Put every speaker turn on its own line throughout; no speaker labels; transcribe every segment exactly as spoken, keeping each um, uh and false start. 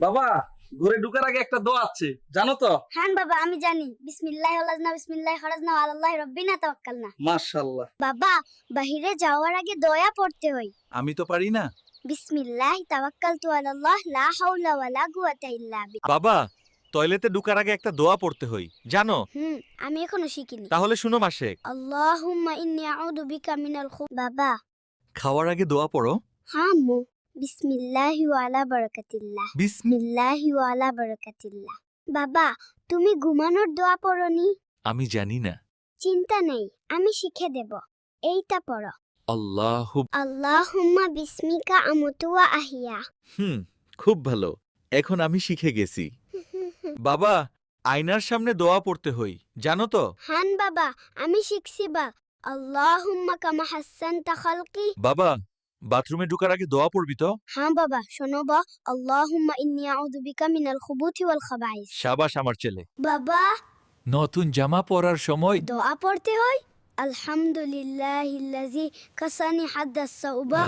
বাবা, ঘরে ঢুকার আগে একটা দোয়া আছে, জানো তো?
হ্যাঁ বাবা, আমি জানি। বিসমিল্লাহি ওয়ালাজনা বিসমিল্লাহি খরাজনা আলাল্লাহি রাব্বিনা তাওয়াক্কালনা।
মাশাআল্লাহ।
বাবা, বাহিরে যাওয়ার আগে দোয়া পড়তে হয়।
আমি তো পারি না।
বিসমিল্লাহি তাওয়াক্কালতু আলাল্লাহ লা হাওলা ওয়ালা কুওয়াতা ইল্লা বিল্লাহ।
বাবা, টয়লেটে ঢোকার আগে একটা দোয়া পড়তে হয়, জানো?
হুম, আমি এখনো শিখিনি।
তাহলে শুনো মাসেক।
আল্লাহুম্মা ইন্নী আউযু বিকা মিনাল খু বাবা,
খাওয়ার আগে দোয়া পড়ো।
হ্যাঁ আম্মু। বিসমিল্লাহি ওয়া আলা বারাকাতিল্লাহ।
বিসমি
বিসমিল্লাহি ওয়া আলা বারাকাতিল্লাহ। বাবা, তুমি ঘুমানোর দোয়া পড়নি?
আমি জানি না।
চিন্তা নেই, আমি শিখে দেব। এইটা পড়ো।
আল্লাহু
আল্লাহুম্মা বিসমিকা আমুতু ওয়া আহিয়া।
হুম, খুব ভালো। এখন আমি শিখে গেছি। বাবা, আয়নার সামনে দোয়া পড়তে হই, জানো তো?
হান বাবা, আমি শিখছি বা। আল্লাহুম্মা কামা হাসানতা খালকি।
বাবা, বাথরুমে ঢোকার আগে দোয়া পড়বি তো?
হ্যাঁ বাবা, শোনো বা। আল্লাহুম্মা ইন্নী আউযু বিকা মিনাল খুবুথি ওয়াল খাবাইস।
শাবাশ আমার ছেলে।
বাবা,
নতুন জামা পরার সময়
দোয়া পড়তে হয়। আলহামদুলিল্লাহিল্লাযী কাসানি হাদ্দাস সাউবা।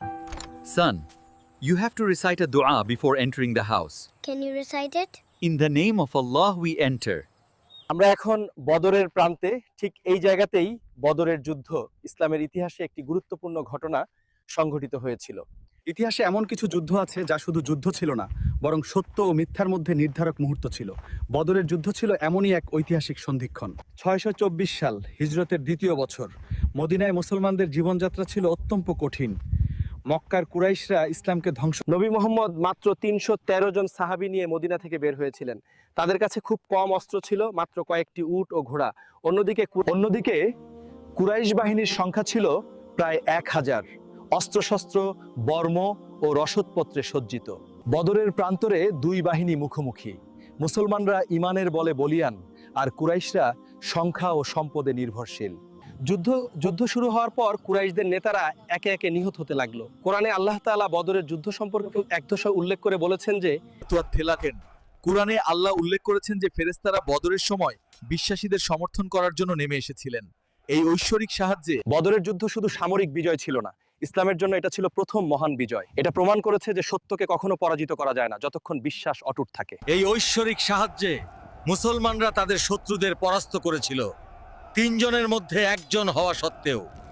Son, you have to recite a dua before entering the house.
Can you recite it?
In the name of Allah we enter.
আমরা এখন বদরের প্রান্তে, ঠিক এই জায়গাতেই বদরের যুদ্ধ, ইসলামের ইতিহাসে একটি গুরুত্বপূর্ণ ঘটনা সংঘটিত হয়েছিল।
ইতিহাসে এমন কিছু যুদ্ধ আছে যা শুধু যুদ্ধ ছিল না, বরং সত্য ও মিথ্যার মধ্যে নির্ধারক মুহূর্ত ছিল। বদরের যুদ্ধ ছিল এমনই এক ঐতিহাসিক সন্ধিক্ষণ। ছয়শো চব্বিশ সাল, হিজরতের দ্বিতীয় বছর। মদিনায় মুসলমানদের জীবনযাত্রা ছিল অত্যন্ত কঠিন। মক্কার কুরাইশরা ইসলামকে ধ্বংস।
নবী মোহাম্মদ মাত্র তিনশো তেরো জন সাহাবী নিয়ে মদিনা থেকে বের হয়েছিলেন। তাদের কাছে খুব কম অস্ত্র ছিল, মাত্র কয়েকটি উট ও ঘোড়া। অন্যদিকে অন্যদিকে কুরাইশ বাহিনীর সংখ্যা ছিল প্রায় এক হাজার, অস্ত্রশস্ত্র, বর্ম ও রসদপত্রে সজ্জিত। বদরের প্রান্তরে দুই বাহিনী মুখোমুখি। মুসলমানরা ইমানের বলে বলিয়ান, আর কুরাইশরা সংখ্যা ও সম্পদে নির্ভরশীল। যুদ্ধ যুদ্ধ শুরু হওয়ার পর কুরাইশদের নেতারা একে একে নিহত হতে লাগলো। কোরআনে আল্লাহ তাআলা বদরের যুদ্ধ সম্পর্কে এক দশা উল্লেখ করে বলেছেন যে,
তোয়ার থেলাকেন। কুরআনে আল্লাহ উল্লেখ করেছেন যে ফেরেশতারা বদরের সময় বিশ্বাসীদের সমর্থন করার জন্য নেমে এসেছিলেন। এই ঐশ্বরিক সাহায্যে
বদরের যুদ্ধ শুধু সামরিক বিজয় ছিল না, ইসলামের জন্য এটা ছিল প্রথম মহান বিজয়। এটা প্রমাণ করেছে যে সত্যকে কখনো পরাজিত করা যায় না যতক্ষণ বিশ্বাস অটুট থাকে।
এই ঐশ্বরিক সাহায্যে মুসলমানরা তাদের শত্রুদের পরাস্ত করেছিল, তিনজনের মধ্যে একজন হওয়া সত্ত্বেও।